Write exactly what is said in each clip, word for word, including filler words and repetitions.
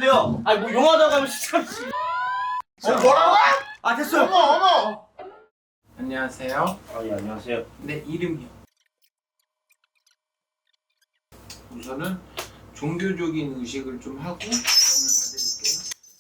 돼요. 아니 뭐 용하다고 하면 진짜. 어, 뭐라고? 아 됐어요. 어머 어머. 안녕하세요. 아 예 안녕하세요. 내 이름이요. 우선은 종교적인 의식을 좀 하고 점을 봐드릴게요.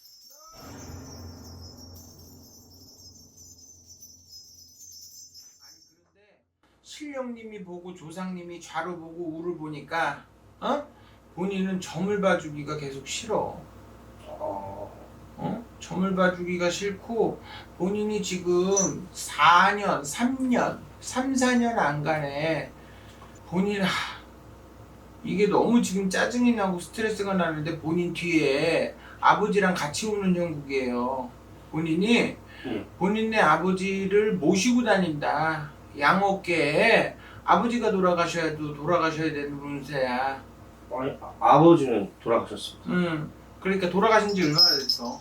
아니 그런데 신령님이 보고 조상님이 좌로 보고 우를 보니까 어? 본인은 점을 봐주기가 계속 싫어. 어... 어? 점을 봐주기가 싫고 본인이 지금 사 년, 삼 년, 삼, 사 년 안간에 본인 하, 이게 너무 지금 짜증이 나고 스트레스가 나는데 본인 뒤에 아버지랑 같이 오는 형국이에요. 본인이 예. 본인의 아버지를 모시고 다닌다. 양어깨에 아버지가 돌아가셔야도 돌아가셔야 되는 운세야. 아니 아, 아버지는 돌아가셨습니다. 음, 그러니까 돌아가신 지 얼마나 됐어?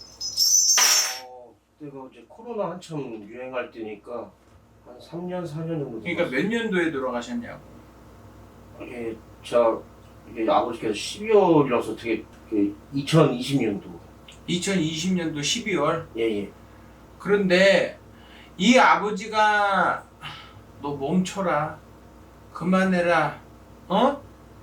어, 그때가 이제 코로나 한참 유행할 때니까 한 삼 년 사 년 정도. 그러니까 몇 년도에 돌아가셨냐고. 이게 제가 이게 아버지께서 십이월이라서 되게 그 이천이십 년도. 이천이십 년도 십이월. 예예. 그런데 이 아버지가 너 멈춰라, 그만해라, 어?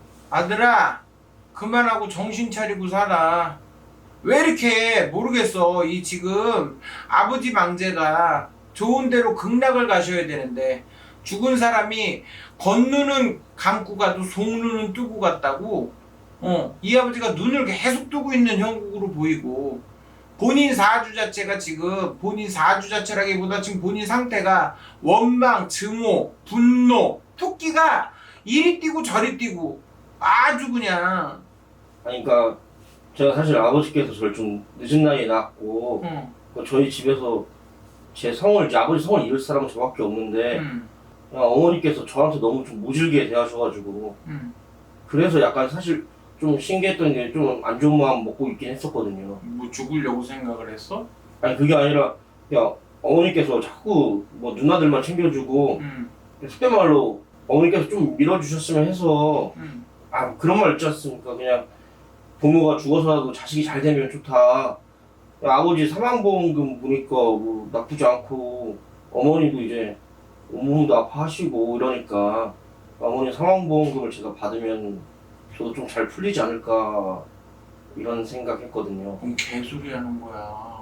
아들아 그만하고 정신 차리고 살아. 왜 이렇게 모르겠어. 이 지금 아버지 망제가 좋은 데로 극락을 가셔야 되는데 죽은 사람이 겉눈은 감고 가도 속눈은 뜨고 갔다고. 어, 이 아버지가 눈을 계속 뜨고 있는 형국으로 보이고 본인 사주 자체가 지금 본인 사주 자체라기보다 지금 본인 상태가 원망, 증오, 분노, 토끼가 이리 뛰고 저리 뛰고 아주 그냥. 아니 그러니까 제가 사실 아버지께서 저를 좀 늦은 나이에 낳았고 응, 그 저희 집에서 제 성을 이제 아버지 성을 이을 사람은 저밖에 없는데 응, 그냥 어머니께서 저한테 너무 좀 모질게 대하셔가지고 응. 그래서 약간 사실 좀 신기했던 게 좀 안 좋은 마음 먹고 있긴 했었거든요. 뭐 죽으려고 생각을 했어? 아니 그게 아니라 그냥 어머니께서 자꾸 뭐 누나들만 챙겨주고 응, 속된 말로 어머니께서 좀 밀어주셨으면 해서 응. 아 그런 말 있지 않습니까? 그냥 부모가 죽어서라도 자식이 잘 되면 좋다. 아버지 사망보험금 보니까 뭐 나쁘지 않고 어머니도 이제 온몸도 아파하시고 이러니까 어머니 사망보험금을 제가 받으면 저도 좀 잘 풀리지 않을까 이런 생각했거든요. 뭔 개소리 하는 거야.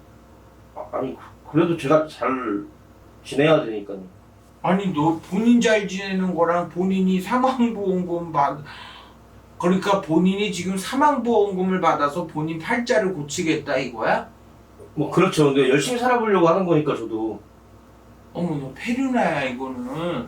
아, 아니 그래도 제가 잘 지내야 되니까요. 아니 너 본인 잘 지내는 거랑 본인이 사망보험금 받 그러니까 본인이 지금 사망보험금을 받아서 본인 팔자를 고치겠다 이거야? 뭐 그렇죠. 근데 열심히 살아보려고 하는 거니까 저도. 어머 너 페류나야 이거는.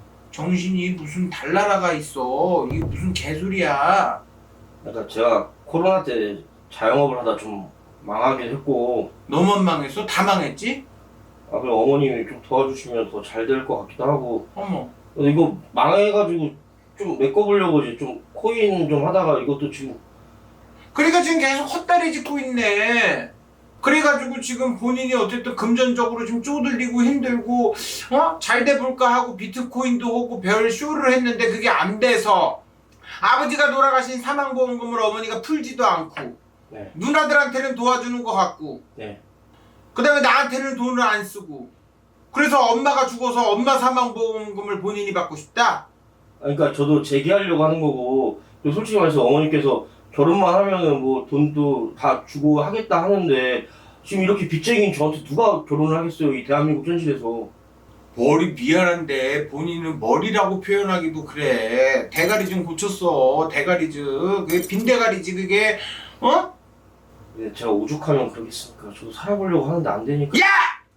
정신이 무슨 달나라가 있어. 이게 무슨 개소리야. 그러니까 제가 코로나 때 자영업을 하다 좀 망하긴 했고 너만 망했어? 다 망했지? 아 그럼 어머님이 좀 도와주시면 더 잘 될 것 같기도 하고 어머. 근데 이거 망해가지고 좀 메꿔보려고 이제 좀 코인 좀 하다가 이것도 지금 그러니까 지금 계속 헛다리 짚고 있네. 그래가지고 지금 본인이 어쨌든 금전적으로 좀 쪼들리고 힘들고 어? 잘 돼볼까 하고 비트코인도 하고 별 쇼를 했는데 그게 안 돼서 아버지가 돌아가신 사망보험금을 어머니가 풀지도 않고 네. 누나들한테는 도와주는 것 같고 네. 그 다음에 나한테는 돈을 안 쓰고 그래서 엄마가 죽어서 엄마 사망보험금을 본인이 받고 싶다? 그러니까 저도 재기하려고 하는 거고 그리고 솔직히 말해서 어머니께서 결혼만 하면은 뭐 돈도 다 주고 하겠다 하는데 지금 이렇게 빚쟁이인 저한테 누가 결혼을 하겠어요 이 대한민국 현실에서. 머리 미안한데 본인은 머리라고 표현하기도 그래. 대가리 좀 고쳤어. 대가리즈. 그게 빈대가리지 그게. 어? 네, 제가 오죽하면 그러겠습니까. 저도 살아보려고 하는데 안 되니까. 야!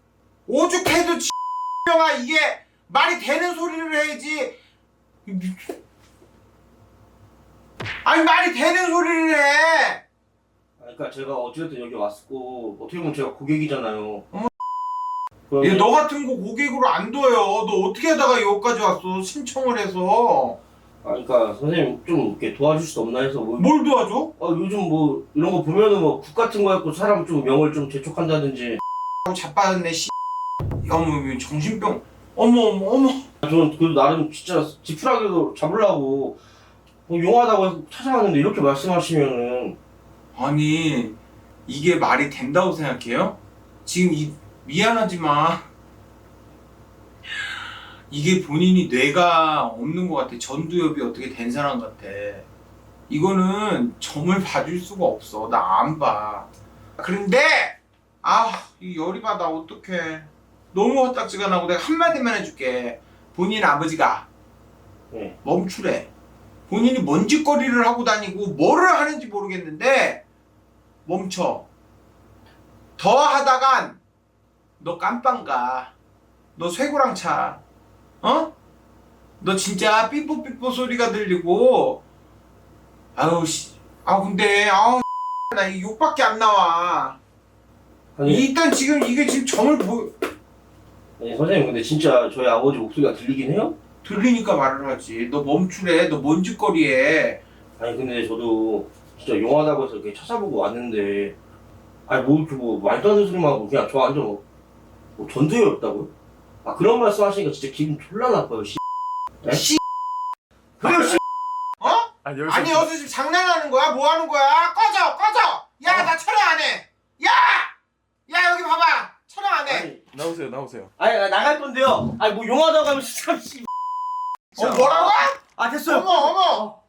오죽해도 X명아 이게 말이 되는 소리를 해야지. 아니 말이 되는 소리를 해. 그러니까 제가 어찌됐든 여기 왔고 어떻게 보면 제가 고객이잖아요. 어머. 그러면- 얘 너 같은 거 고객으로 안 둬요. 너 어떻게 하다가 여기까지 왔어? 신청을 해서. 아, 그러니까 선생님 좀 이렇게 도와줄 수 없나 해서 뭐, 뭘 도와줘? 어, 요즘 뭐 이런 거 보면은 뭐 국 같은 거 갖고 사람 좀 명을 좀 재촉한다든지. 자빠졌네 씨. 어머 정신병. 어머 어머 어머. 저는 그 나름 진짜 지푸라기도 잡으려고 뭐 용하다고 해서 찾아왔는데 이렇게 말씀하시면은 아니 이게 말이 된다고 생각해요? 지금 이 미안하지만 이게 본인이 뇌가 없는 것 같아. 전두엽이 어떻게 된 사람 같아. 이거는 점을 봐줄 수가 없어. 나 안 봐. 그런데 아, 이 열이 받아. 어떡해. 너무 헛딱지가 나고 내가 한마디만 해줄게. 본인 아버지가 네. 멈추래. 본인이 먼지거리를 하고 다니고 뭐를 하는지 모르겠는데 멈춰. 더 하다간 너 깜빵 가. 너 쇠고랑 차. 어? 너 진짜 삐뽀삐뽀 소리가 들리고 아우 씨. 아 근데 아우 나 이 욕밖에 안 나와. 아니, 일단 지금 이게 지금 점을 보 아니 선생님 근데 진짜 저희 아버지 목소리가 들리긴 해요? 들리니까 말을 하지. 너 멈추래. 너 먼지거리에. 아니 근데 저도 진짜 용하다고 해서 이렇게 찾아보고 왔는데 아니 뭐 이렇게 뭐 말도 안 되는 소리만 하고 그냥 저 완전 뭐, 뭐 전두엽이 없다고요? 아 그런 말씀 하시니까 진짜 기분 졸라 나빠요 씨. 네? 씨. 그래요 씨. 어? 아니 여기서 아니 여기서 지금 장난하는 거야? 뭐 하는 거야? 꺼져 꺼져. 야 나 촬영 안 해. 야! 야 여기 봐봐. 촬영 안 해. 아니, 나오세요 나오세요. 아니 나 나갈 건데요. 아니 뭐 용하다고 하면 진짜 씨. 어 뭐라고? 아 됐어요. 어머 어머.